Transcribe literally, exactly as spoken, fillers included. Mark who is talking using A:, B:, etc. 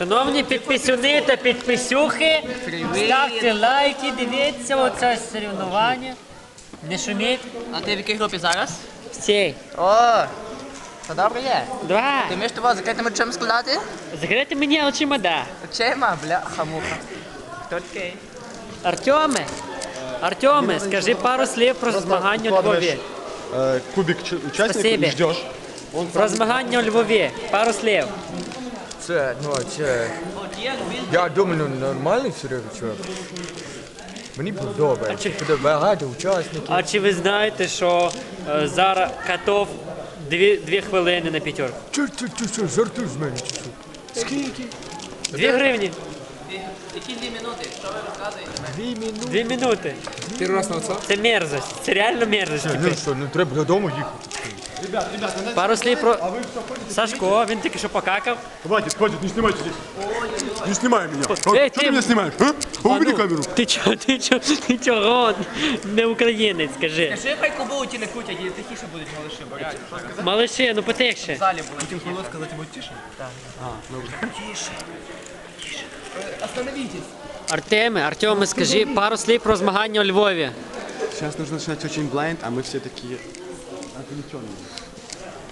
A: Шановні підписюни та підписюхи, ставте лайки, дивіться оце соревнування. Не шуміть.
B: А ти в якій групі зараз?
A: Всі.
B: О, це добре є.
A: Два.
B: Ти вмієш того закритими очима складати?
A: Закрити мені очима, да.
B: Очима, бляха-муха. Хто такий?
A: Артеме, Артеме, скажи пару слів про змагання у Львові.
C: Э, кубик ч- участников
A: Спасибо.
C: и ждешь.
A: Про змагання у Львові. Пару слів.
D: Це, ну, це... Я думаю, ну, нормальний серйозний чувак. Мені подобається. Буде багато учасників.
A: А чи ви знаєте, що е, зараз катов дві, дві хвилини на п'ятерку?
D: Чу, чу, чу, чу, жартуй з мене, чи що? Скільки?
A: Дві гривні.
B: Які дві минути? Що ви розказуєте?
D: Дві минути.
A: Дві минути.
E: Первый раз на отца?
A: Це мерзость. Це реально мерзость.
D: Ну що, ну треба додому їхати.
A: Пару слів про Сашко, він тільки що покакав.
C: Хватит, хватит, не снимайте здесь. Не снимай меня. А,
A: Эй,
C: что
A: ты-
C: ты меня снимаешь? А? Убери
A: ну,
C: камеру.
A: Ти чого, ти чого, ти чого? Не українець, скажи.
B: Скажи, хай кобилу ті не крутять, і тихіше будуть малиші, бо реально.
A: Малиші, ну потихше.
B: В залі були. Тихі.
E: сказать ему тише?
B: Остановітесь.
A: Артеме, Артеме, скажи пару слів про змагання у Львові.
E: Сейчас нужно начинать очень blind, а мы все такие отвлеченные.